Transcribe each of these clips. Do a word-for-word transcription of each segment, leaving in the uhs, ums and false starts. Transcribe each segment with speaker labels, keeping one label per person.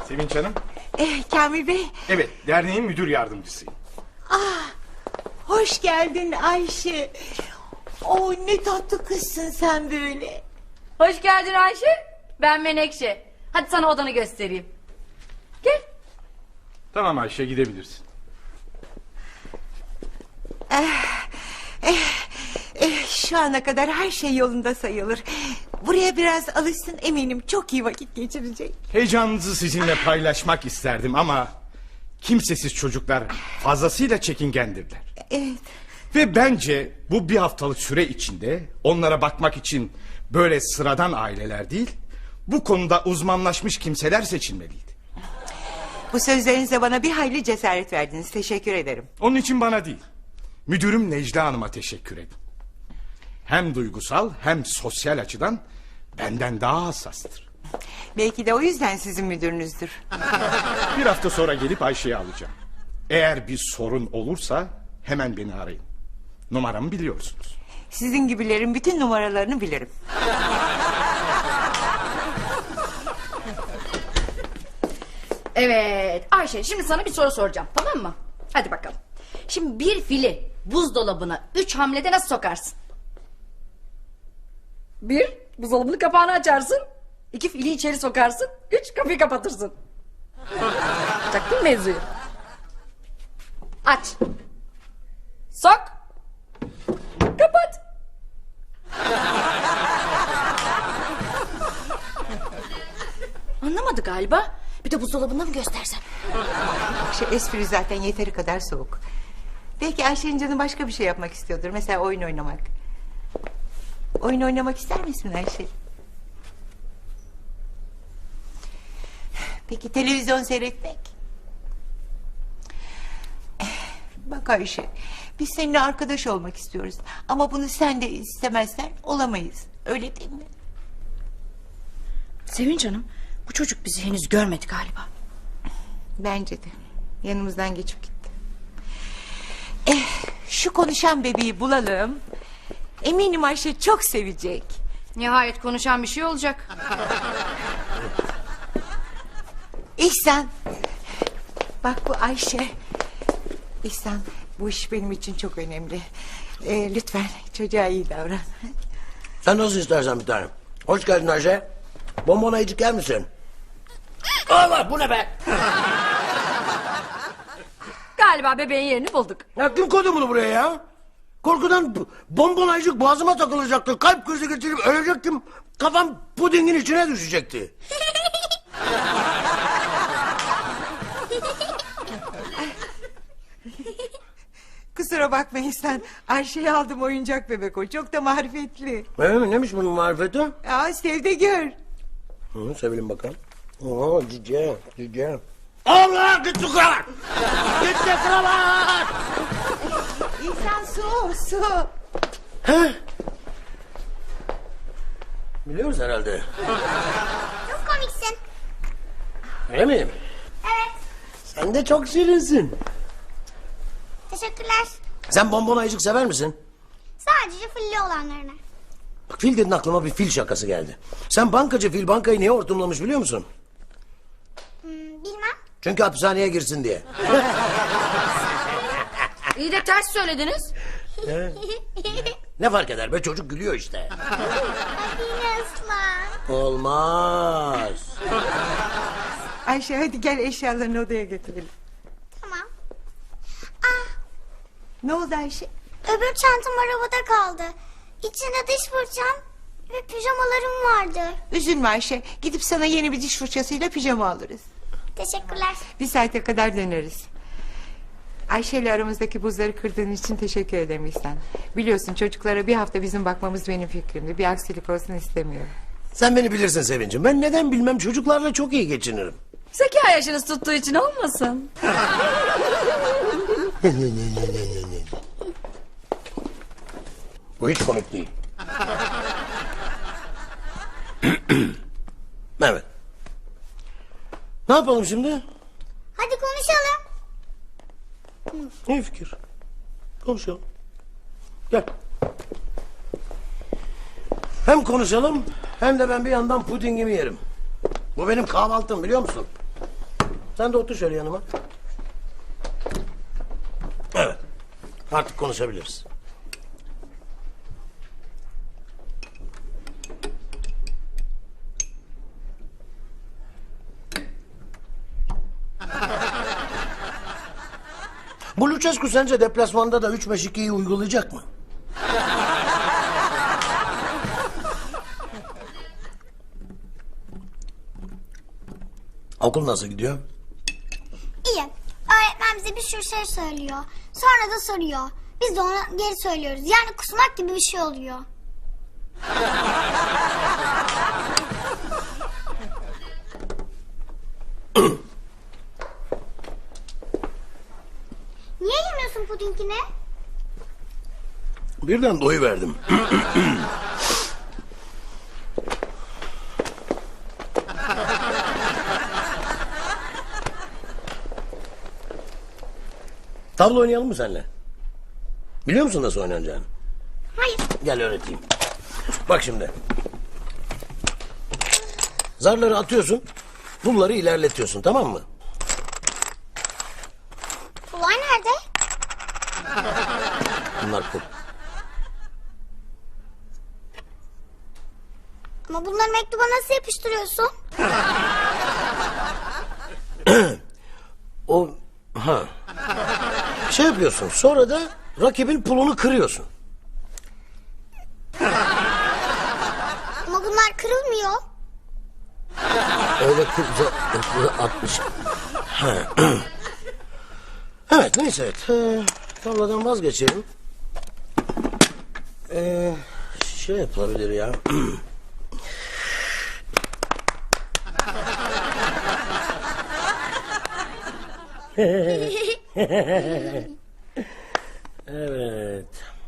Speaker 1: Sevinç Hanım.
Speaker 2: Eh, Kamil Bey.
Speaker 1: Evet, derneğin müdür yardımcısıyım.
Speaker 2: Ah, hoş geldin Ayşe. Oo, ne tatlı kızsın sen böyle.
Speaker 3: Hoş geldin Ayşe. Ben Menekşe. Hadi sana odanı göstereyim. Gel.
Speaker 1: Tamam Ayşe, gidebilirsin.
Speaker 2: Eh, eh, şu ana kadar her şey yolunda sayılır. Buraya biraz alışsın, eminim çok iyi vakit geçirecek.
Speaker 1: Heyecanınızı sizinle paylaşmak isterdim ama... kimsesiz çocuklar fazlasıyla çekingendirler.
Speaker 2: Evet.
Speaker 1: Ve bence bu bir haftalık süre içinde... onlara bakmak için böyle sıradan aileler değil... bu konuda uzmanlaşmış kimseler seçilmeliydi.
Speaker 2: Bu sözlerinizle bana bir hayli cesaret verdiniz. Teşekkür ederim.
Speaker 1: Onun için bana değil... müdürüm Necla Hanım'a teşekkür edin. Hem duygusal hem sosyal açıdan... benden daha hassastır.
Speaker 2: Belki de o yüzden sizin müdürünüzdür.
Speaker 1: Bir hafta sonra gelip Ayşe'yi alacağım. Eğer bir sorun olursa hemen beni arayın. Numaramı biliyorsunuz.
Speaker 2: Sizin gibilerin bütün numaralarını bilirim.
Speaker 3: Evet Ayşe, şimdi sana bir soru soracağım, tamam mı? Hadi bakalım. Şimdi bir fili buzdolabına üç hamlede nasıl sokarsın? Bir, buzdolabının kapağını açarsın. İki, fili içeri sokarsın. Üç, kapıyı kapatırsın. Çaktın mevzuyu. Aç. Sok. Kapat. Anlamadı galiba. Bir de buzdolabında mı göstersem?
Speaker 2: Şu espri zaten yeteri kadar soğuk. Belki Ayşe'nin canı başka bir şey yapmak istiyordur. Mesela oyun oynamak. Oyun oynamak ister misin Ayşe? Peki televizyon seyretmek? Bak Ayşe, biz seninle arkadaş olmak istiyoruz. Ama bunu sen de istemezsen olamayız. Öyle değil mi?
Speaker 3: Sevinç Hanım, bu çocuk bizi henüz görmedi galiba.
Speaker 2: Bence de. Yanımızdan geçip gitti. Eh, şu konuşan bebeği bulalım. Eminim Ayşe çok sevecek.
Speaker 3: Nihayet konuşan bir şey olacak.
Speaker 2: İhsan. Bak bu Ayşe. İhsan, bu iş benim için çok önemli. Ee, lütfen çocuğa iyi davran.
Speaker 4: Sen nasıl istersen bir tanem. Hoş geldin Ayşe. Bonbon ayıcık yer misin? Allah, bu ne be?
Speaker 3: Galiba bebeğin yerini bulduk.
Speaker 4: Ya kim koydu bunu buraya ya? Korkudan b- bonbon ayıcık boğazıma takılacaktı. Kalp krizi geçirip ölecektim. Kafam pudingin içine düşecekti.
Speaker 2: Kusura bakma İhsan. Ayşe'yi aldım, oyuncak bebek o. Çok da marifetli.
Speaker 4: Öyle mi? Neymiş bunun marifeti?
Speaker 2: Aa, sev de gör.
Speaker 4: Hı, sevelim bakalım. Oo, cici, cici. Allah, gitti kravat! Gitti kravat!
Speaker 2: İhsan, su su.
Speaker 4: Heh. Biliyoruz herhalde.
Speaker 5: Çok komiksin.
Speaker 4: Öyle mi?
Speaker 5: Evet.
Speaker 4: Sen de çok şirinsin.
Speaker 5: Teşekkürler.
Speaker 4: Sen bonbon ayıcık sever misin?
Speaker 5: Sadece filli olanlarına.
Speaker 4: Bak, fil dedin, aklıma bir fil şakası geldi. Sen bankacı fil bankayı niye hortumlamış biliyor musun?
Speaker 5: Hmm, bilmem.
Speaker 4: Çünkü hapishaneye girsin diye.
Speaker 3: İyi de ters söylediniz.
Speaker 4: Ne fark eder be, çocuk gülüyor işte.
Speaker 5: Hadi yine ıslan.
Speaker 4: Olmaz.
Speaker 2: Ayşe, hadi gel eşyalarını odaya götürelim.
Speaker 5: Tamam. Ah,
Speaker 2: Ne oldu Ayşe?
Speaker 5: öbür çantam arabada kaldı. İçinde diş fırçam ve pijamalarım vardı.
Speaker 2: Üzülme Ayşe. Gidip sana yeni bir diş fırçasıyla pijama alırız.
Speaker 5: Teşekkürler.
Speaker 2: Bir saate kadar döneriz. Ayşe ile aramızdaki buzları kırdığın için teşekkür ederim İhsan. Biliyorsun çocuklara bir hafta bizim bakmamız benim fikrimdi. Bir aksilik olsun istemiyorum.
Speaker 4: Sen beni bilirsin Sevincim. Ben neden bilmem, çocuklarla çok iyi geçinirim.
Speaker 3: Zeka yaşınız tuttuğu için olmasın.
Speaker 4: Bu hiç komik değil. Evet. Ne yapalım şimdi?
Speaker 5: Hadi konuşalım.
Speaker 4: İyi fikir. Konuşalım. Gel. Hem konuşalım hem de ben bir yandan pudingimi yerim. Bu benim kahvaltım, biliyor musun? Sen de otur şöyle yanıma. Evet. Artık konuşabiliriz. Bu Lucescu sence deplasmanda da üç beş ikiyi uygulayacak mı? Okul nasıl gidiyor?
Speaker 5: İyi. Öğretmen bize bir sürü şey söylüyor. Sonra da soruyor. Biz de ona geri söylüyoruz. Yani kusmak gibi bir şey oluyor. Niye yemiyorsun pudingini?
Speaker 4: Birden doyuverdim. Tavla oynayalım mı seninle? Biliyor musun nasıl oynanacağını?
Speaker 5: Hayır.
Speaker 4: Gel öğreteyim. Bak şimdi. Zarları atıyorsun. Pulları ilerletiyorsun, tamam mı?
Speaker 5: Pullar nerede?
Speaker 4: Bunlar pul.
Speaker 5: Ama bunları mektuba nasıl yapıştırıyorsun?
Speaker 4: O ha. Şey yapıyorsun. Sonra da rakibin pulunu kırıyorsun.
Speaker 5: Ama bunlar kırılmıyor.
Speaker 4: Öyle kırca atmış. Ha. Evet neyse. Evet. Ee, tavladan vazgeçelim. Ee, şey yapılabilir ya. Evet.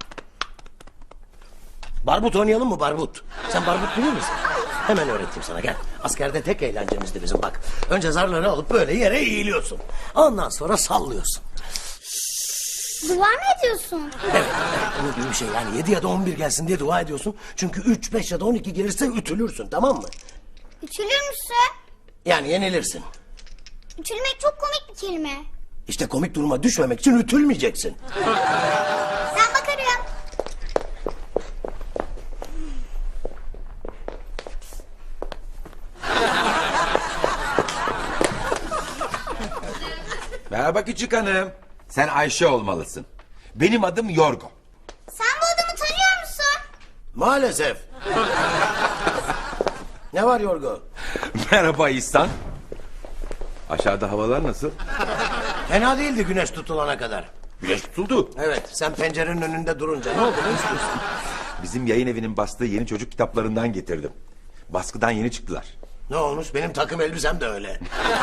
Speaker 4: Barbut oynayalım mı barbut? Sen barbut biliyor musun? Hemen öğreteyim sana gel. Askerde tek eğlencemizdi bizim bak. Önce zarları alıp böyle yere eğiliyorsun. Ondan sonra sallıyorsun.
Speaker 5: Dua mı ediyorsun?
Speaker 4: Evet, onun gibi bir şey yani yedi ya da on bir gelsin diye dua ediyorsun. Çünkü üç, beş ya da on iki gelirse ütülürsün, tamam mı?
Speaker 5: Ütülür müsün?
Speaker 4: Yani yenilirsin.
Speaker 5: Ütülmek çok komik bir kelime.
Speaker 4: İşte komik duruma düşmemek için ütülmeyeceksin.
Speaker 5: Ben bakarım.
Speaker 6: Merhaba küçük hanım. Sen Ayşe olmalısın. Benim adım Yorgo.
Speaker 5: Sen bu adamı tanıyor musun?
Speaker 4: Maalesef. Ne var Yorgo?
Speaker 6: Merhaba İhsan. Aşağıda havalar nasıl?
Speaker 4: Fena değildi güneş tutulana kadar.
Speaker 6: Güneş tutuldu.
Speaker 4: Evet, sen pencerenin önünde durunca ne oldu, ne istiyorsun?
Speaker 6: Bizim yayın evinin bastığı yeni çocuk kitaplarından getirdim. Baskıdan yeni çıktılar.
Speaker 4: Ne olmuş, benim takım elbisem de öyle.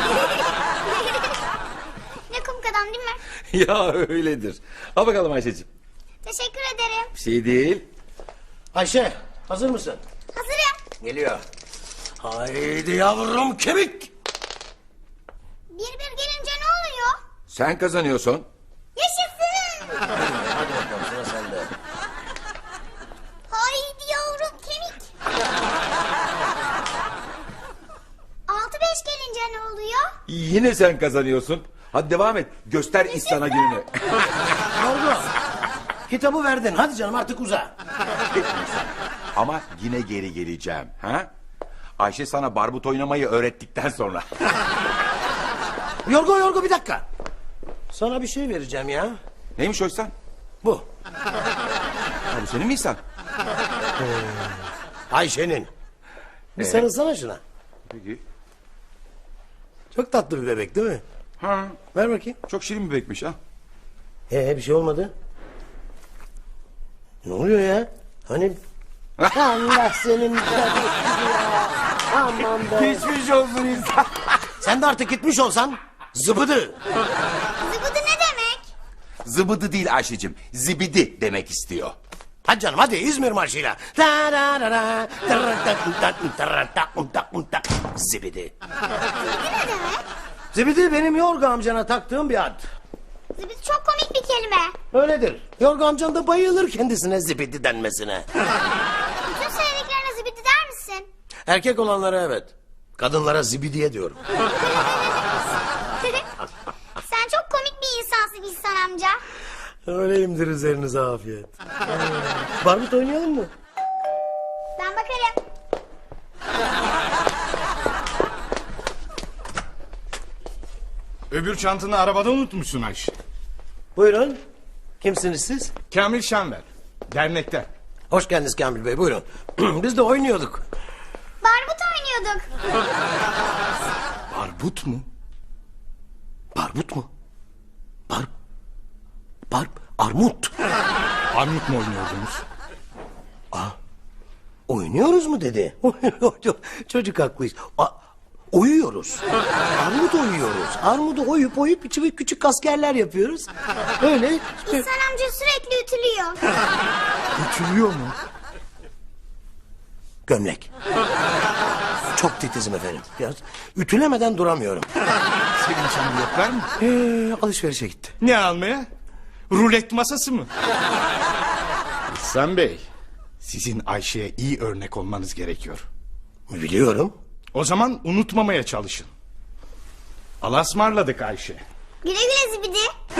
Speaker 5: Ne komik adam değil mi?
Speaker 6: Ya öyledir. Al bakalım Ayşe'ciğim.
Speaker 5: Teşekkür ederim.
Speaker 6: Bir şey değil.
Speaker 4: Ayşe, hazır mısın?
Speaker 5: Hazırım.
Speaker 4: Geliyor. Haydi yavrum kemik.
Speaker 5: Bir bir gelince ne oluyor?
Speaker 6: Sen kazanıyorsun.
Speaker 5: Yaşasın.
Speaker 4: Hadi bakalım sıra sende.
Speaker 5: Haydi yavrum kemik. Altı beş gelince ne oluyor?
Speaker 6: Yine sen kazanıyorsun. Hadi devam et. Göster İhsan'a gününü.
Speaker 4: Yorgo, kitabı verdin. Hadi canım artık uza.
Speaker 6: Ama yine geri geleceğim. Ha? Ayşe sana barbut oynamayı öğrettikten sonra.
Speaker 4: Yorgo, Yorgo bir dakika. Sana bir şey vereceğim ya.
Speaker 6: Neymiş o İhsan?
Speaker 4: Bu.
Speaker 6: Ha, bu senin mi İhsan?
Speaker 4: Ayşe'nin. Bir
Speaker 6: Ee?
Speaker 4: sarılsana şuna.
Speaker 6: Peki.
Speaker 4: Çok tatlı bir bebek değil mi?
Speaker 6: Ha,
Speaker 4: Ver bakayım.
Speaker 6: çok şirin bir bebekmiş ha.
Speaker 4: Ee bir şey olmadı. Ne oluyor ya? Hani... Allah senin... Aman be.
Speaker 6: Geçmiş olsun İhsan.
Speaker 4: Sen de artık gitmiş olsan zıbıdı.
Speaker 5: Zıbıdı ne demek?
Speaker 6: Zıbıdı değil Ayşe'cim. Zibidi demek istiyor.
Speaker 4: Hadi canım hadi İzmir marşıyla. Zibidi.
Speaker 5: Zıbıdı ne demek?
Speaker 4: Zibidi benim Yorgo amcana taktığım bir ad.
Speaker 5: Zıbıdı çok komik bir kelime.
Speaker 4: Öyledir. Yorgo amcan da bayılır kendisine zibidi denmesine.
Speaker 5: Bütün söylediklerine zıbıdı der misin?
Speaker 4: Erkek olanlara evet. Kadınlara zibidiye diyorum.
Speaker 5: İhsan amca?
Speaker 4: Öyleyimdir, üzerinize afiyet. Barbut oynayalım mı?
Speaker 5: Ben bakarım.
Speaker 1: Öbür çantanı arabada unutmuşsun Ayşe.
Speaker 4: Buyurun. Kimsiniz siz?
Speaker 1: Kamil Şenver. Dernekten.
Speaker 4: Hoş geldiniz Kamil Bey, buyurun. Biz de oynuyorduk.
Speaker 5: Barbut oynuyorduk.
Speaker 1: Barbut mu?
Speaker 4: Barbut mu? Bar... Bar... Armut.
Speaker 1: Armut mu oynuyordunuz?
Speaker 4: Oynuyoruz mu dedi. Çocuk haklıyız. A- oyuyoruz. Armut oyuyoruz. Armudu oyup oyup içi küçük askerler yapıyoruz. Öyle.
Speaker 5: İhsan amca sürekli ütülüyor.
Speaker 1: Ütülüyor mu?
Speaker 4: Gömlek. Çok titizim efendim. Biraz ütülemeden duramıyorum.
Speaker 1: Sevinç Hanım yoklar mı?
Speaker 4: Ee, alışverişe gitti.
Speaker 1: Ne almaya? Rulet masası mı? İhsan Bey, sizin Ayşe'ye iyi örnek olmanız gerekiyor.
Speaker 4: Biliyorum.
Speaker 1: O zaman unutmamaya çalışın. Allah'a ısmarladık Ayşe.
Speaker 5: Güle güle zibidi.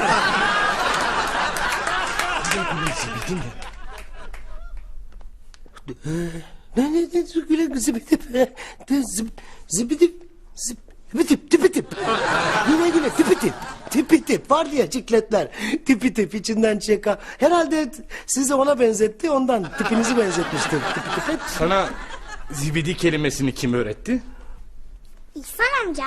Speaker 4: Ne ne ne güle zibidip zib zibidip zibidip tipi tip. Güle güle tipi tip. Tipi tip var diye cikletler. Tipi tip içinden çeka. Herhalde sizi ona benzetti, ondan tipinizi benzetmiştir. Tipi tip.
Speaker 1: Sana zibidi kelimesini kim öğretti?
Speaker 5: İhsan amca.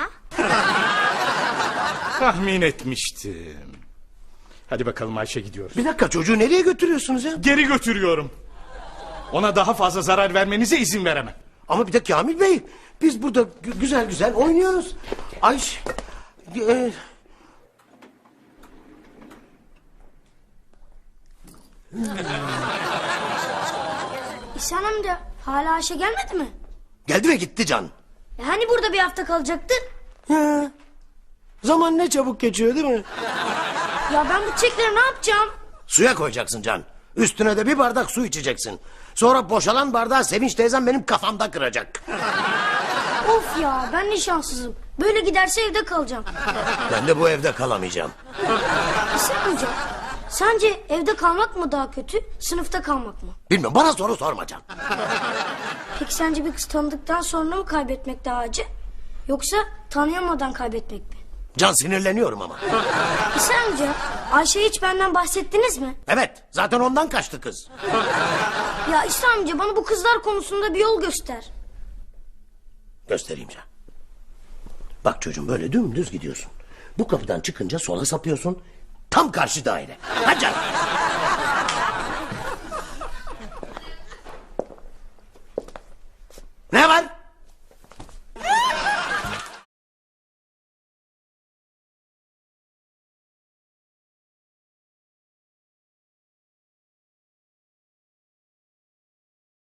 Speaker 1: Tahmin etmiştim. Hadi bakalım Ayşe, gidiyoruz.
Speaker 4: Bir dakika, çocuğu nereye götürüyorsunuz ya?
Speaker 1: Geri götürüyorum. Ona daha fazla zarar vermenize izin veremem.
Speaker 4: Ama bir de Kamil Bey, biz burada gü- güzel güzel oynuyoruz. Ayş... E,
Speaker 7: İhsan amca hala Ayşe gelmedi mi?
Speaker 4: geldi ve gitti Can.
Speaker 7: E hani burada bir hafta kalacaktı?
Speaker 4: Ya, zaman ne çabuk geçiyor değil mi?
Speaker 7: Ya ben bu çiçekleri ne yapacağım?
Speaker 4: Suya koyacaksın Can. Üstüne de bir bardak su içeceksin. Sonra boşalan bardağı Sevinç teyzem benim kafamda kıracak.
Speaker 7: Of ya ben ne şanssızım. Böyle giderse evde kalacağım.
Speaker 4: Ben de bu evde kalamayacağım.
Speaker 7: İhsan amca sence evde kalmak mı daha kötü, sınıfta kalmak mı?
Speaker 4: Bilmiyorum, bana soru sorma Can.
Speaker 7: Peki sence bir kız tanıdıktan sonra mı kaybetmek daha acı? Yoksa tanıyamadan kaybetmek mi?
Speaker 4: Can, sinirleniyorum ama.
Speaker 7: İhsan amca Ayşe hiç benden bahsettiniz mi?
Speaker 4: Evet, zaten ondan kaçtı kız.
Speaker 7: Ya İhsan amca bana bu kızlar konusunda bir yol göster.
Speaker 4: Göstereyim Can. Bak çocuğum, böyle dümdüz gidiyorsun. Bu kapıdan çıkınca sola sapıyorsun. Tam karşı daire. Hadi Can. Ne var?